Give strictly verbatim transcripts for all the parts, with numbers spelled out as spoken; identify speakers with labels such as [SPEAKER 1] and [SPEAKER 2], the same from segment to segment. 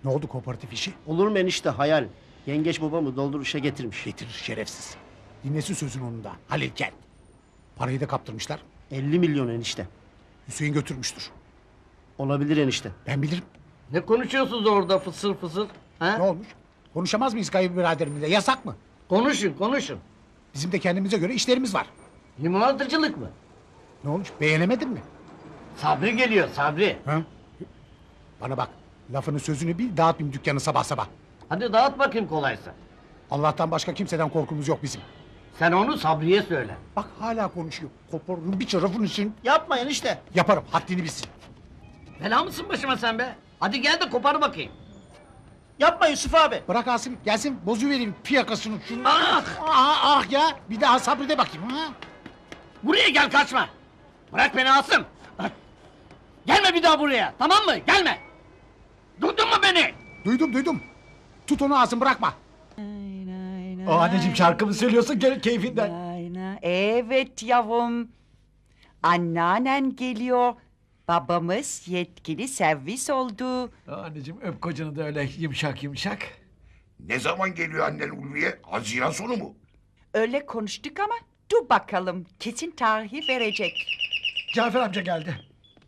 [SPEAKER 1] Ne oldu kooperatif işi?
[SPEAKER 2] Olur mu enişte, hayal. Yengeç babamı dolduruşa getirmiş.
[SPEAKER 1] Getirir şerefsiz. Dinlesin sözün onun da. Halil gel. Parayı da kaptırmışlar.
[SPEAKER 2] elli milyon enişte.
[SPEAKER 1] Hüseyin götürmüştür.
[SPEAKER 2] Olabilir enişte.
[SPEAKER 1] Ben bilirim.
[SPEAKER 3] Ne konuşuyorsunuz orada fısır fısır? Ha?
[SPEAKER 1] Ne olmuş? Konuşamaz mıyız kayınbiraderimizle? Yasak mı?
[SPEAKER 3] Konuşun konuşun.
[SPEAKER 1] Bizim de kendimize göre işlerimiz var.
[SPEAKER 3] Limonatıcılık mı?
[SPEAKER 1] Ne olmuş? Beğenemedin mi?
[SPEAKER 3] Sabri geliyor Sabri.
[SPEAKER 1] Ha? Bana bak. Lafını sözünü bil, dağıtmayayım dükkanı sabah sabah.
[SPEAKER 3] Hadi dağıt bakayım kolaysa.
[SPEAKER 1] Allah'tan başka kimseden korkumuz yok bizim.
[SPEAKER 3] Sen onu Sabri'ye söyle.
[SPEAKER 1] Bak hala konuşuyor. Koparırım bir tarafını için.
[SPEAKER 2] Yapma enişte.
[SPEAKER 1] Yaparım, haddini bilsin.
[SPEAKER 3] Bela mısın başıma sen be? Hadi gel de kopar bakayım.
[SPEAKER 2] Yapma Yusuf abi.
[SPEAKER 1] Bırak Asım, gelsin bozuvereyim fiyakasını şunu.
[SPEAKER 3] Ah!
[SPEAKER 1] Ah ah ya, bir daha sabrede bakayım ha.
[SPEAKER 3] Buraya gel kaçma. Bırak beni Asım. Ah! Gelme bir daha buraya, tamam mı? Gelme. Duydun mu beni?
[SPEAKER 1] Duydum duydum. Tut onu Asım, bırakma.
[SPEAKER 4] O
[SPEAKER 5] Anneciğim şarkı mı söylüyorsun gel keyfinden?
[SPEAKER 4] Aynen. Evet yavrum. Anneannen geliyor. Babamız yetkili servis oldu.
[SPEAKER 5] Anneciğim öp kocanı da öyle yumuşak yumuşak.
[SPEAKER 6] Ne zaman geliyor annen Ulviye? Haziran sonu mu?
[SPEAKER 4] Öyle konuştuk ama dur bakalım. Kesin tarihi verecek.
[SPEAKER 5] Cafer amca geldi.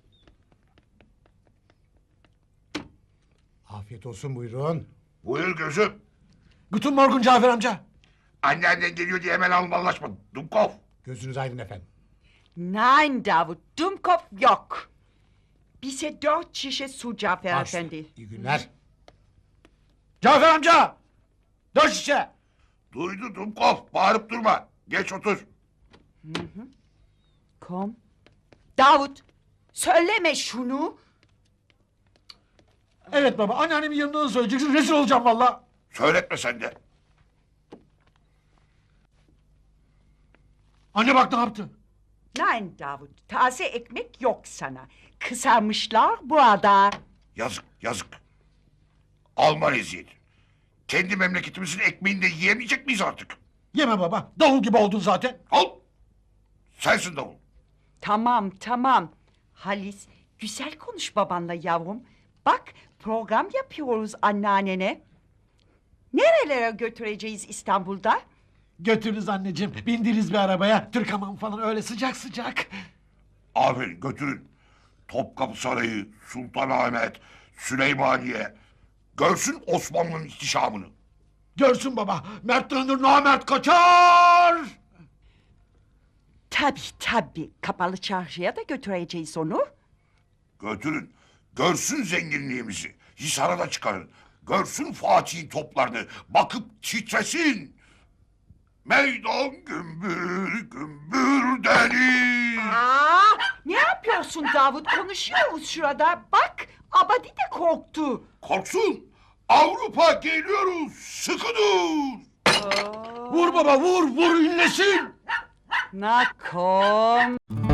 [SPEAKER 1] Afiyet olsun, buyurun.
[SPEAKER 6] Buyur gözüm.
[SPEAKER 5] Guten Morgen Cafer amca.
[SPEAKER 6] Anneannen geliyor diye hemen almalaşma. Dumkov.
[SPEAKER 1] Gözünüz aydın efendim.
[SPEAKER 4] Nein Davut, Dumkopf yok. Bize dört şişe su Cafer
[SPEAKER 1] Baş üstüne.
[SPEAKER 4] Efendi.
[SPEAKER 1] İyi günler.
[SPEAKER 5] Cafer amca. Dört şişe.
[SPEAKER 6] Duydu Dumkov. Bağırıp durma. Geç otur.
[SPEAKER 4] Kom. Davut, söyleme şunu.
[SPEAKER 5] Evet baba anneannemin yanında da söyleyeceksin rezil olacağım valla.
[SPEAKER 6] Söyletme sen de.
[SPEAKER 5] Anne bak ne yaptı?
[SPEAKER 4] Nein Davut, taze ekmek yok sana. Kısarmışlar burada.
[SPEAKER 6] Yazık yazık. Alman eziyeti. Kendi memleketimizin ekmeğini de yiyemeyecek miyiz artık?
[SPEAKER 5] Yeme baba davul gibi oldun zaten.
[SPEAKER 6] Al. Sensin davul.
[SPEAKER 4] Tamam, tamam. Halis, güzel konuş babanla yavrum. Bak, program yapıyoruz anneannene. Nerelere götüreceğiz İstanbul'da?
[SPEAKER 5] Götürürüz anneciğim bindiriz bir arabaya. Türkaman falan öyle sıcak sıcak.
[SPEAKER 6] Aferin götürün. Topkapı Sarayı, Sultanahmet, Süleymaniye. Görsün Osmanlı'nın ihtişamını.
[SPEAKER 5] Görsün baba mert dönür namert kaçar.
[SPEAKER 4] Tabii, tabii. Kapalı çarşıya da götüreceğiz onu.
[SPEAKER 6] Götürün. Görsün zenginliğimizi. Hisar'a da çıkarın. Görsün Fatih'in toplarını. Bakıp titresin. Meydan gümbür gümbür deniz.
[SPEAKER 4] Aa, ne yapıyorsun Davut? Konuşuyoruz şurada. Bak, Abadi de korktu.
[SPEAKER 6] Korksun. Avrupa geliyoruz. Sıkı dur.
[SPEAKER 5] Vur baba vur vur ünlesin.
[SPEAKER 4] Na komm.